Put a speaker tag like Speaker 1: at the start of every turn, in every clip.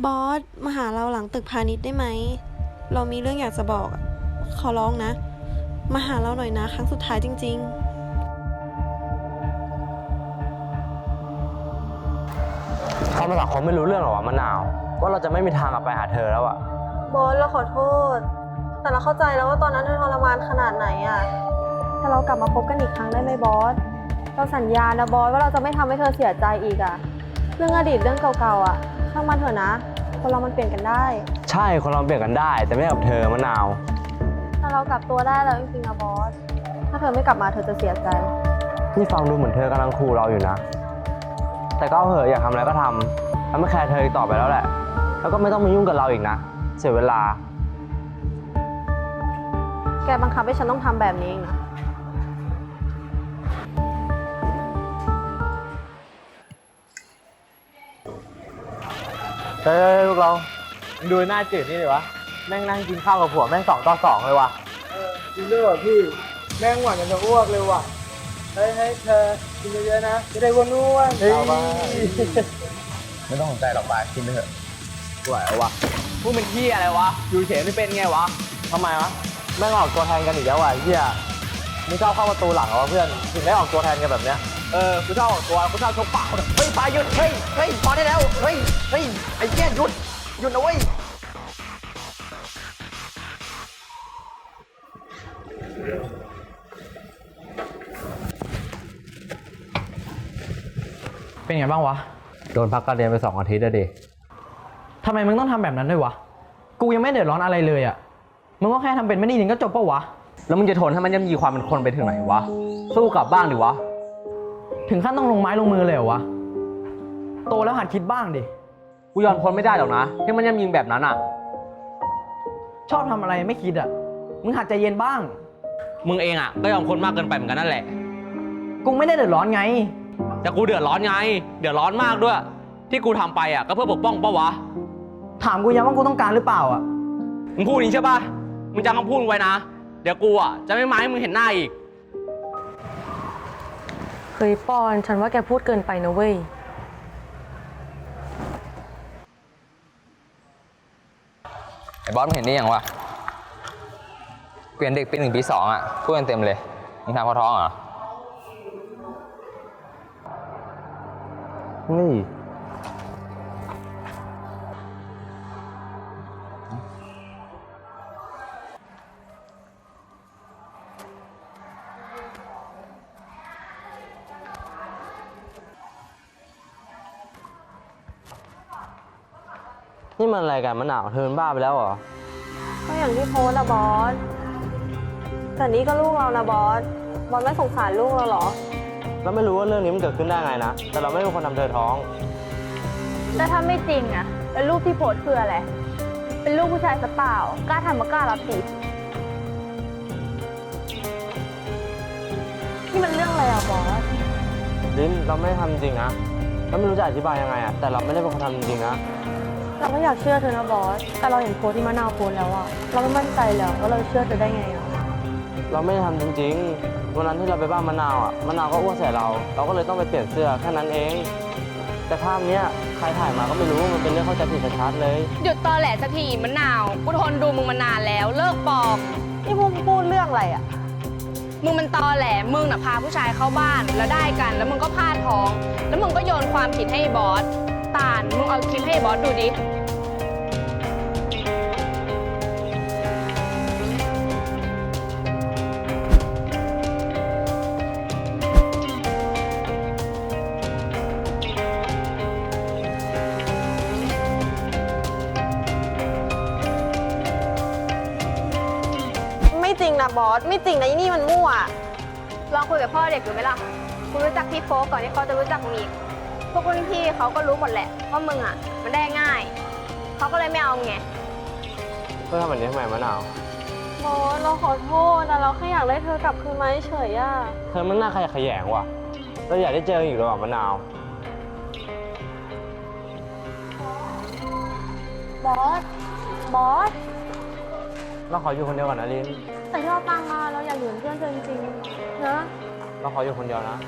Speaker 1: บอสมาหาเราหลังตึกพาณิชย์ได้ไหมเรามีเรื่องอยากจะบอกขอร้องนะมาหาเราหน่อยนะครั้งสุดท้ายจริง
Speaker 2: เขามาสังคมไม่รู้เรื่องหรอวะมะนาวว่าเราจะไม่มีทางกลับไปหาเธอแล้วอะ
Speaker 1: บอสเราขอโทษแต่เราเข้าใจแล้วว่าตอนนั้นเธอทรมานขนาดไหนอะถ้าเรากลับมาพบกันอีกครั้งได้ไหมบอสเราสัญญานะบอสว่าเราจะไม่ทำให้เธอเสียใจอีกอะเรื่องอดีตเรื่องเก่าๆอะช่างมันเถอะนะคนเรามันเปลี่ยนกันได้
Speaker 2: ใช่คนเราเปลี่ยนกันได้แต่ไม่กับเธอมะนาว
Speaker 1: ถ้าเรากลับตัวได้แล้วจริงๆนะบอสถ้าเธอไม่กลับมาเธอจะเสียใจ
Speaker 2: นี่ฟังดูเหมือนเธอกำลังขู่เราอยู่นะแต่ก็เหอะอยากทำอะไรก็ทำแล้วไม่แคร์เธออีกต่อไปแล้วแหละแล้วก็ไม่ต้องมายุ่งกับเราอีกนะเสียเวลา
Speaker 1: แกบังคับให้ฉันต้องทำแบบนี้เองนะ
Speaker 2: เฮ้ยพวกเราดูหน้าจืดนี่เลยวะแม่งนั่งกินข้าวกับผัวแม่ง2-2เลยวะ
Speaker 3: จริงด้วยว่ะพี่แม่งหวานจนจะอ้วกเลยว่ะเฮ้ยเธอกินเยอะๆนะจะได้อ้วนๆเอาบ้า
Speaker 2: ไม่ต้องสนใจหรอกบายกินไปเถอะไหววะ
Speaker 3: พวกมันขี้อะไรวะอยู่เฉยไม่เป็นไงวะ
Speaker 2: ทำไมวะแม่งออกตัวแทนกันอีกแล้ววะเฮียมึงชอบเข้าประตูหลังเหรอวะเพื่อนถึงได้ออกตัวแทนกันแบบเนี้ย
Speaker 3: กูชอบออกตัวกูชอบชกเปล่าเฮ้ยปาหยุดเฮ้ยพอได้แล้วเฮ้ยไอ้แก่หยุดนะเว้ย
Speaker 4: เป็นไงบ้างวะ
Speaker 2: โดนพักการเรียนไป2 อาทิตย์แล้วดิ
Speaker 4: ทำไมมึงต้องทำแบบนั้นด้วยวะกูยังไม่เดือดร้อนอะไรเลยอะมึงก็แค่ทำเป็นไม่ได้ยินก็จบปะวะ
Speaker 2: แล้วมึงจะทนให้มันย่ำยีความเป็นคนไปถึงไหนวะสู้กลับบ้างดิวะ
Speaker 4: ถึงขั้นต้องลงไม้ลงมือเลยเหรอวะโตแล้วหัดคิดบ้างดิ
Speaker 2: กูยอมทนไม่ได้หรอกนะที่มันย่ำยีแบบนั้นอ่ะ
Speaker 4: ชอบทำอะไรไม่คิดอะมึงหัดใจเย็นบ้าง
Speaker 2: มึงเองอ่ะก็ยอมคนมากเกินไปเหมือนกันนั่นแหละ
Speaker 4: กูไม่ได้เดือดร้อนไง
Speaker 2: แต่กูเดือดร้อนไงเดือดร้อนมากด้วยที่กูทำไปอ่ะก็เพื่อปกป้องปะวะ
Speaker 4: ถามกูยังว่ากูต้องการหรือเปล่าอะ
Speaker 2: มึงพูดนี้ใช่ปะมึงจำคำพูดไว้นะเดี๋ยวกูอ่ะจะไม่มาให้มึงเห็นหน้าอีก
Speaker 1: เฮ้ยปอนฉันว่าแกพูดเกินไปนะเว้ย
Speaker 5: ไอ้บอสมึงเห็นนี่ยังวะเปลี่ยนเด็กปี 1 ปี 2อ่ะพูดกันเต็มเลยมึงทำเขาท้องเหรอ
Speaker 2: นี่นี่มันอะไรกันมะนาวเธอเป็นบ้าไปแล้วเหรอ
Speaker 1: ก็อย่างที่โพสต์นะบอสแต่นี่ก็ลูกเรานะบอสไม่สงสารลูกเราหรอ
Speaker 2: เราไม่รู้ว่าเรื่องนี้มันเกิดขึ้นได้ไงนะแต่เราไม่เป็นคนทำเธอท้อง
Speaker 6: แต่ถ้าไม่จริงอะแล้วรูปที่โพสต์คืออะไรเป็นลูกผู้ชายซะเปล่ากล้าทำมากล้ารับสิ
Speaker 1: นี่มันเรื่องอะไรอะบอส
Speaker 2: ลิ้นเราไม่ได้ทำจริงนะเราไม่รู้จะอธิบายยังไงอะแต่เราไม่ได้เป็นคนทำจริงๆนะ
Speaker 1: เราก็อยากเชื่อเธอนะบอสแต่เราเห็นโพสต์ที่มะนาวโพสต์แล้วอะเราไม่มั่นใจแล้วว่าเราเชื่อเธอได้ไงอะ
Speaker 2: เราไม่ได้ทำจริงๆวันนั้นที่เราไปบ้านมะนาวอ่ะมะนาวก็อ้วกใส่เราก็เลยต้องไปเปลี่ยนเสื้อแค่นั้นเองแต่ภาพเนี้ยใครถ่ายมาก็ไม่รู้มันเป็นเรื่องเข้าใจผิดชัดๆเลย
Speaker 6: หยุดตอแหลสักทีมะนาวกูทนดูมึงมานานแล้วเลิกปลอม
Speaker 1: นี่พูดเรื่องอะไรอะ
Speaker 6: มึงมันตอแหลมึงน่ะพาผู้ชายเข้าบ้านแล้วได้กันแล้วมึงก็พลาดท้องแล้วมึงก็โยนความผิดให้บอสตาลมึงเอาคลิปให้บอสดูดิ
Speaker 1: ไม่จริงนะบอสไม่จริงนะนี่มันมั่ว
Speaker 6: ลองคุยกับพ่อเด็กดูไหมล่ะกูรู้จักพี่โฟกก่อนที่เขาจะรู้จักมึงอีกพวกรุ่นพี่เขาก็รู้หมดแหละว่ามึงอ่ะมันได้ง่ายเขาก็เลยไม่เอาไง
Speaker 2: เพื่อทำแบบนี้ทำไมมะนาว
Speaker 1: บอสเราขอโทษแต่เราแค่อยากได้เธอกลับคืนมาเฉยอะ
Speaker 2: เธอมันน่าขยะแขยงว่ะเราอยากได้เจออีกหรือเปล่ามะนาว
Speaker 1: บอส
Speaker 2: เราขออยู่คนเดียวก่อนนะลิน
Speaker 1: แต่ที่เราตั้งมาเราอยากอยู่เป็นเพื่อนเธอจริงๆนะ
Speaker 2: เราขออยู่คนเดียวนะ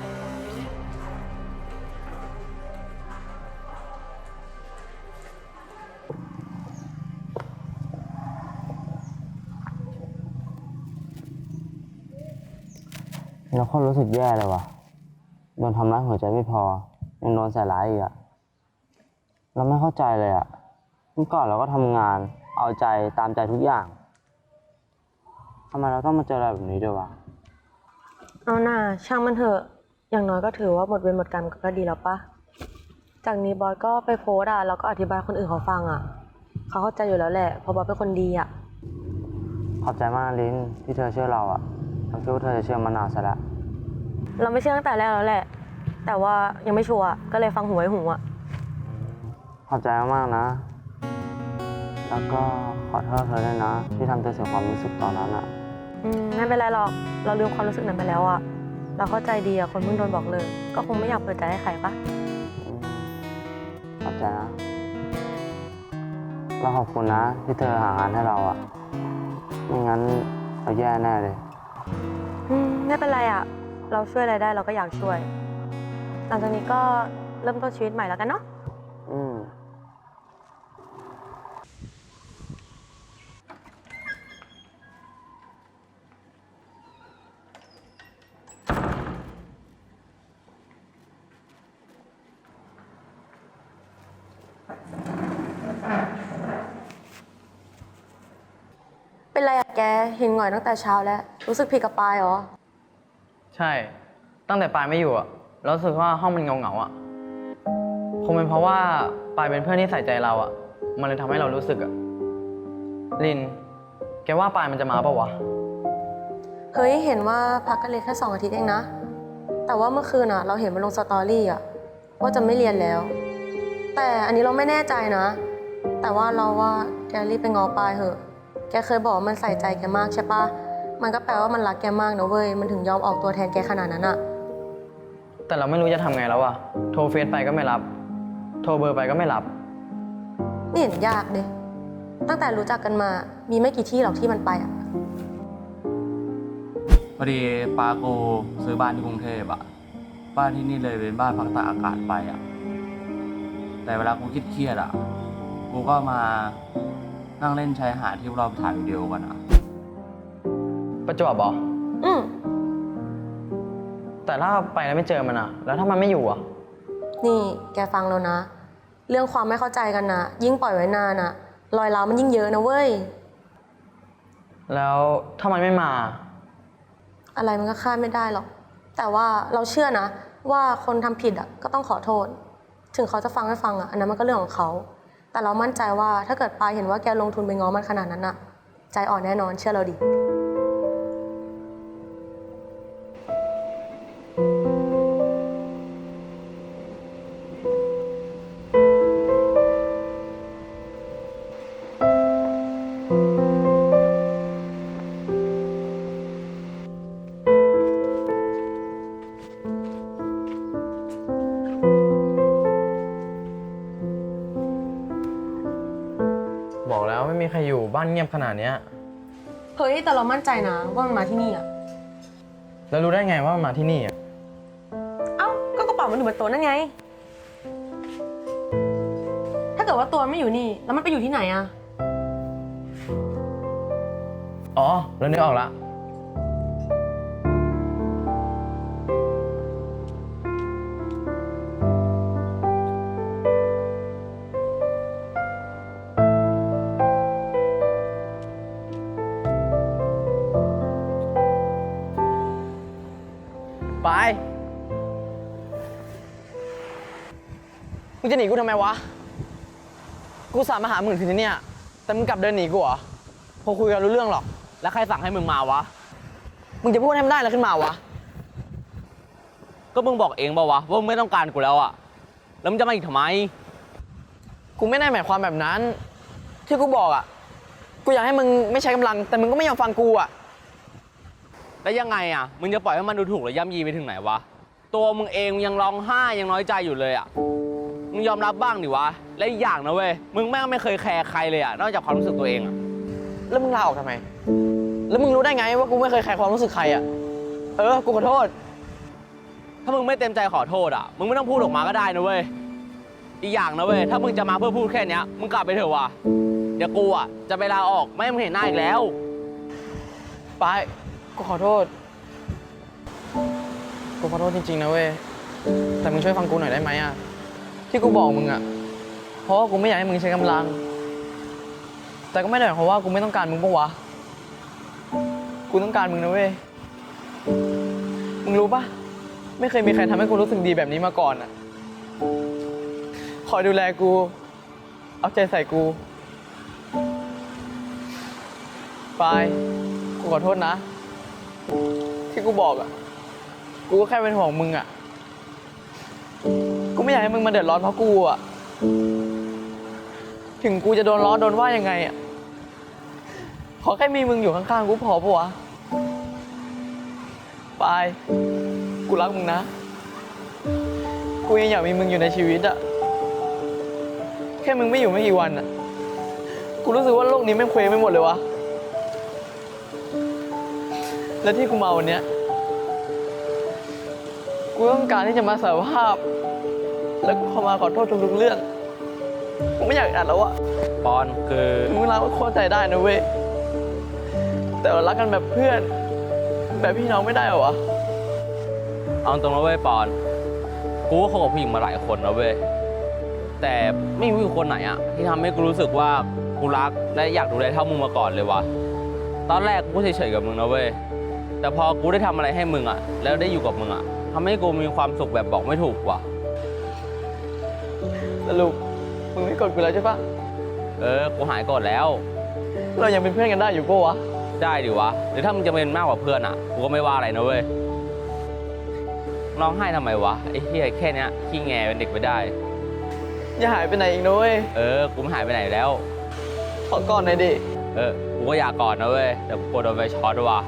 Speaker 2: แล้วคนรู้สึกแย่เลยว่ะ โดนทำร้ายหัวใจไม่พอ ยังโดนใส่ร้ายอีกอะเราไม่เข้าใจเลยอะเมื่อก่อนเราก็ทำงาน เอาใจตามใจทุกอย่างทำไมเราต้องมาเจออะไรแบบนี้ด้วยวะ
Speaker 1: เอาหน่าช่างมันเถอะ อย่างน้อยก็ถือว่าหมดเวรหมดกรรมก็ดีแล้วปะจากนี้บอสก็ไปโพสต์อะแล้วก็อธิบายคนอื่นเขาฟังอะเขาเข้าใจอยู่แล้วแหละเพราะบอสเป็นคนดีอะ
Speaker 2: ขอบใจมากนะลิ้นที่เธอเชื่อเราอะเราคิดว่าเธอจะเชื่อมานานซะแล้ว
Speaker 1: เราไม่เชื่อตั้งแต่แรกแล้วแหละ แต่ว่ายังไม่ชัวร์ก็เลยฟังหูไว้หูอะ
Speaker 2: ขอบใจมากๆนะ แล้วก็ขอโทษเธอด้วยนะ ที่ทำเธอเสียความรู้สึกตอนนั้นอะ
Speaker 1: ไม่เป็นไรหรอก เราลืมความรู้สึกนั้นไปแล้วอะเราเข้าใจดีอะคนเพิ่งโดนบอกเลย ก็คงไม่อยากเปิดใจให้ใครปะ
Speaker 2: ขอบใจนะเราขอบคุณนะที่เธอหางานให้เราอะไม่งั้นเราแย่แน่เลย
Speaker 1: ไม่เป็นไรอะเราช่วยอะไรได้เราก็อยากช่วย หลังจากนี้ก็เริ่มต้นชีวิตใหม่แล้วกันเนาะ
Speaker 2: อืม
Speaker 1: เป็นไรอะแกเห็นหงอยตั้งแต่เช้าแล้ว รู้สึกผิดกับปายเหรอ
Speaker 4: ใช่ ตั้งแต่ปายไม่อยู่อะเรารู้สึกว่าห้องมันเงาๆอะคงเป็นเพราะว่าปายเป็นเพื่อนที่ใส่ใจเราอะมันเลยทำให้เรารู้สึกอะลิน แกว่าปายมันจะมาปะวะ
Speaker 1: เฮ้ยเห็นว่าพักกันเลยแค่2 อาทิตย์เองนะ แต่ว่าเมื่อคืนอะเราเห็นมันลงสตอรี่อะว่าจะไม่เรียนแล้ว แต่อันนี้เราไม่แน่ใจนะ แต่ว่าเราว่าแกรีบไปง้อปายเถอะ แกเคยบอกว่ามันใส่ใจแกมากใช่ปะมันก็แปลว่ามันรักแกมากนะเว้ย มันถึงยอมออกตัวแทนแกขนาดนั้นอะ
Speaker 4: แต่เราไม่รู้จะทำไงแล้วอะโทรเฟซไปก็ไม่รับ โทรเบอร์ไปก็ไม่รับ
Speaker 1: ไม่เห็นยากเลยตั้งแต่รู้จักกันมา มีไม่กี่ที่หรอกที่มันไปอะ
Speaker 7: พอดีปาโกซื้อบ้านที่กรุงเทพอะบ้านที่นี่เลยเป็นบ้านพักตากอากาศไปอะแต่เวลากูเครียดๆอะกูก็มานั่งเล่นชายหาดที่เราไปถ่ายวิดีโอกันอะ
Speaker 4: ประจวบเหรอ
Speaker 1: อืม
Speaker 4: แต่ถ้าไปแล้วไม่เจอมันอะแล้วถ้ามันไม่อยู่อะ
Speaker 1: นี่แกฟังแล้วนะ เรื่องความไม่เข้าใจกันนะยิ่งปล่อยไว้นานอะรอยร้าวมันยิ่งเยอะนะเว้ย
Speaker 4: แล้วถ้ามันไม่มา
Speaker 1: อะไรมันก็คาดไม่ได้หรอก แต่ว่าเราเชื่อนะว่าคนทำผิดอะก็ต้องขอโทษ ถึงเขาจะฟังไม่ฟังอะอันนั้นมันก็เรื่องของเขา แต่เรามั่นใจว่าถ้าเกิดปายเห็นว่าแกลงทุนไปง้อมันขนาดนั้นอะใจอ่อนแน่นอนเชื่อเราดิ
Speaker 4: บอกแล้วไม่มีใครอยู่บ้านเงียบขนาดเนี้ย
Speaker 1: เฮ้ยแต่เรามั่นใจนะว่ามันมาที่นี่อะ
Speaker 4: แล้วรู้ได้ไงว่ามันมาที่นี่อะ
Speaker 1: เอ้าก็กระเป๋ามันอยู่บนโต๊ะนั่นไง ถ้าเกิดว่าตัวมันไม่อยู่นี่แล้วมันไปอยู่ที่ไหนอะ
Speaker 4: อ๋อแล้วนึกออกละ ไป มึงจะหนีกูทำไมวะ กูสามมาหามึงถึงที่เนี่ย แต่มึงกลับเดินหนีกูเหรอ พอคุยกันรู้เรื่องหรอก แล้วใครสั่งให้มึงมาวะ มึงจะพูดให้มันได้อะไรขึ้นมาวะ
Speaker 2: ก็มึงบอกเองป่าวะว่ามึงไม่ต้องการกูแล้วอะแล้วมึงจะมาอีกทำไม
Speaker 4: กูไม่ได้หมายความแบบนั้น ที่กูบอกอ่ะ กูอยากให้มึงไม่ใช้กำลัง แต่มึงก็ไม่ยอมฟังกูอ่ะ
Speaker 2: แล้วยังไงอะมึงจะปล่อยให้มันดูถูกหรือย่ำยีไปถึงไหนวะ ตัวมึงเองยังร้องไห้ยังน้อยใจอยู่เลยอะมึงยอมรับบ้างดิวะ และอีกอย่างนะเว้ย มึงแม่งไม่เคยแคร์ใครเลยอะนอกจากความรู้สึกตัวเองอะ
Speaker 4: แล้วมึงลาออกทำไม แล้วมึงรู้ได้ไงว่ากูไม่เคยแคร์ความรู้สึกใครอ่ะ กูขอโทษ
Speaker 2: ถ้ามึงไม่เต็มใจขอโทษอะมึงไม่ต้องพูดออกมาก็ได้นะเว้ย อีกอย่างนะเว้ย ถ้ามึงจะมาเพื่อพูดแค่เนี้ยมึงกลับไปเถอะวะเดี๋ยวกูอะจะไปลาออกไม่ให้มึงเห็นหน้าอีกแล้ว
Speaker 4: ไป กูขอโทษขอโทษจริงๆนะเว้ย แต่มึงช่วยฟังกูหน่อยได้ไหมอะที่กูบอกมึงอะเพราะว่ากูไม่อยากให้มึงใช้กำลัง แต่ก็ไม่ได้หมายความว่ากูไม่ต้องการมึงปะวะ กูต้องการมึงนะเว้ย มึงรู้ปะไม่เคยมีใครทำให้กูรู้สึกดีแบบนี้มาก่อนอะคอยดูแลกู เอาใจใส่กูปายกูขอโทษนะ ที่กูบอกอะกูก็แค่เป็นห่วงมึงอะกูไม่อยากให้มึงมาเดือดร้อนเพราะกูอะถึงกูจะโดนล้อโดนว่ายังไงอะขอแค่มีมึงอยู่ข้างๆกูพอปะวะปายกูรักมึงนะ กูยังอยากมีมึงอยู่ในชีวิตอะแค่มึงไม่อยู่ไม่กี่วันอะกูรู้สึกว่าโลกนี้แม่งเคว้งไปหมดเลยวะ และที่กูมาวันเนี้ยกูต้องการที่จะมาสารภาพ แล้วกูเข้ามาขอโทษทุกๆเรื่อง กูไม่อยากอ่านแล้วอะ
Speaker 7: ปอนคือ
Speaker 4: มึงรักก็เข้าใจได้นะเว้ย แต่เรารักกันแบบเพื่อน แบบพี่น้องไม่ได้เหรอวะ
Speaker 7: เอาตรงนะเว้ยปอน กูก็คบกับผู้หญิงมาหลายคนนะเว้ย แต่ไม่มีผู้หญิงคนไหนอะที่ทำให้กูรู้สึกว่ากูรักและอยากดูแลเท่ามึงมาก่อนเลยวะตอนแรกกูก็เฉยๆกับมึงนะเว้ย แต่พอกูได้ทำอะไรให้มึงอะแล้วได้อยู่กับมึงอะทำให้กูมีความสุขแบบบอกไม่ถูกว่ะ
Speaker 4: สรุปมึงไม่กดกูแล้วใช่ปะ
Speaker 7: กูหายโกรธแล้ว
Speaker 4: เรายังเป็นเพื่อนกันได้อยู่ปะวะ
Speaker 7: ได้ดิวะหรือถ้ามึงจะเป็นมากกว่าเพื่อนอะกูก็ไม่ว่าอะไรนะเว้ยร้องไห้ทำไมวะไอ้เหี้ยแค่เนี้ยขี้แงเป็นเด็กไม่ได้
Speaker 4: อย่าหายไปไหนอีกนะเว้ย
Speaker 7: กูไม่หายไปไหนแล้ว
Speaker 4: ขอก่อนหน่อยดิ
Speaker 7: กูก็อยากกอดนะเว้ยแต่กูกลัวโดนไฟช็อตว่ะ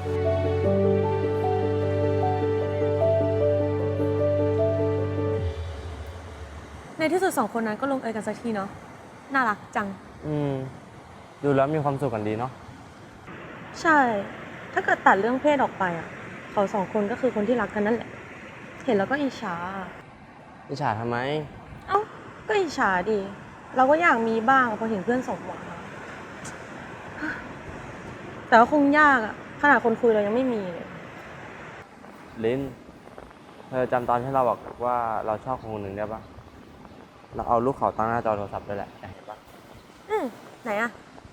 Speaker 1: ในที่สุดสองคนนั้นก็ลงเอยกันสักทีเนาะ น่ารักจัง
Speaker 2: ดูแล้วมีความสุขกันดีเนาะ
Speaker 1: ใช่ ถ้าเกิดตัดเรื่องเพศออกไปอ่ะ เขาสองคนก็คือคนที่รักกันนั่นแหละ เห็นแล้วก็อิจฉา
Speaker 2: อิจฉาทำไม
Speaker 1: เอ้า ก็อิจฉาดิ เราก็อยากมีบ้างพอเห็นเพื่อนสมหวังอะแต่ว่าคงยากอ่ะ ขนาดคนคุยเรายังไม่มีเลย
Speaker 2: ลิน เธอจำตอนที่เราบอกว่าเราชอบคนหนึ่งได้ปะเราเอารูปเขาตั้งหน้าจอโทรศัพท์ด้วยแหละเห็นปะ
Speaker 1: ไหนอ่ะ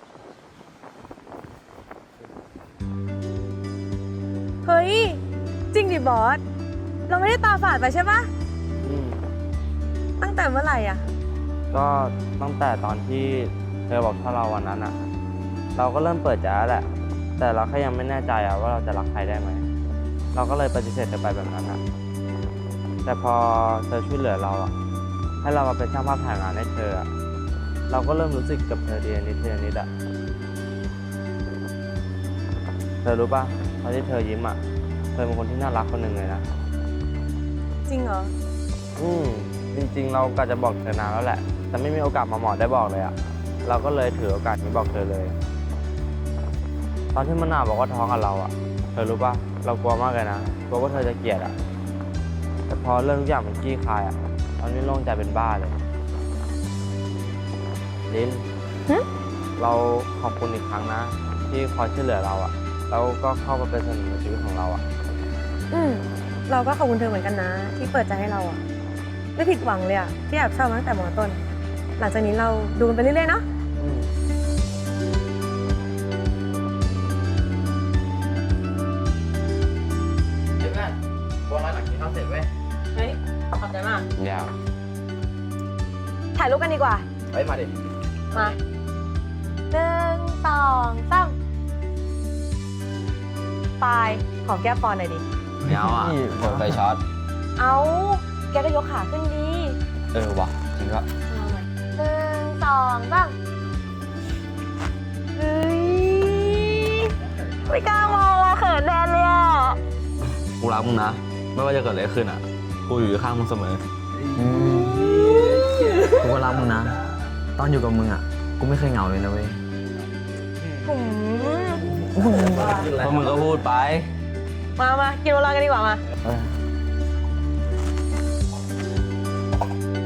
Speaker 1: เฮ้ย จริงดิบอส เราไม่ได้ตาฝาดไปใช่ปะ
Speaker 2: อืม
Speaker 1: ตั้งแต่เมื่อไหร่อ่ะ
Speaker 2: ก็ตั้งแต่ตอนที่เธอบอกถ้าเราวันนั้นอะเราก็เริ่มเปิดใจแล้วแหละ แต่เราแค่ยังไม่แน่ใจอะว่าเราจะรักใครได้ไหม เราก็เลยปฏิเสธเธอไปแบบนั้นอะแต่พอเธอช่วยเหลือเราอะให้เรามาเป็นช่างภาพถ่ายงานให้เธออะเราก็เริ่มรู้สึกกับเธอทีละนิดทีละนิดอะเธอรู้ป่ะตอนที่เธอยิ้มอะเธอเป็นคนที่น่ารักคนหนึ่งเลยนะ
Speaker 1: จริงเหรอ
Speaker 2: จริงๆ เราก็จะบอกเธอนานแล้วแหละ แต่ไม่มีโอกาสมาหมอได้บอกเลยอะเราก็เลยถือโอกาสนี้บอกเธอเลย ตอนที่มะนาวบอกว่าท้องกับเราอะเธอรู้ป่ะ เรากลัวมากเลยนะ กลัวว่าเธอจะเกลียดอะแต่พอเรื่องทุกอย่างมันคลี่คลายอะตอนนี้โล่งใจเป็นบ้าเลยลิน
Speaker 1: หึ
Speaker 2: เราขอบคุณอีกครั้งนะ ที่คอยช่วยเหลือเราอะแล้วก็เข้ามาเป็นส่วนหนึ่งในชีวิตของเราอะ
Speaker 1: เราก็ขอบคุณเธอเหมือนกันนะ ที่เปิดใจให้เราอ่ะ ไม่ผิดหวังเลยอ่ะ ที่แอบชอบมาตั้งแต่มอต้น หลังจากนี้เราดูกันไปเรื่อยๆเนาะ
Speaker 4: เดี๋ยวกันบอลร้านหลังกินข้าวเสร็จเว้ย
Speaker 1: เฮ้ย ขอบใจมาก
Speaker 2: ยาว
Speaker 1: ถ่ายรูปกันดีกว่า
Speaker 4: เฮ้ยมาดิ
Speaker 1: มา1 2 3ปลายหอมแก้มปอนหน่อยดิ
Speaker 7: ไม่เอาอ่ะโดนไฟช็อต
Speaker 1: เอาแกก็ยกขาขึ้นดี
Speaker 7: วะจริงก็
Speaker 1: เอาใหม่1 2 3เฮ้ย ไม่กล้ามองอ่ะเขินแทนเลยอ่ะ
Speaker 7: กูรักมึงนะ ไม่ว่าจะเกิดอะไรขึ้นอ่ะ กูอยู่ข้างมึงเสมอ
Speaker 4: กูก็รักมึงนะ ตอนอยู่กับมึงอ่ะ กูไม่เคยเหงาเลยนะเว้ย
Speaker 7: เพราะมึงก็พูดไป
Speaker 1: มากินโบราณกันดีกว่ามา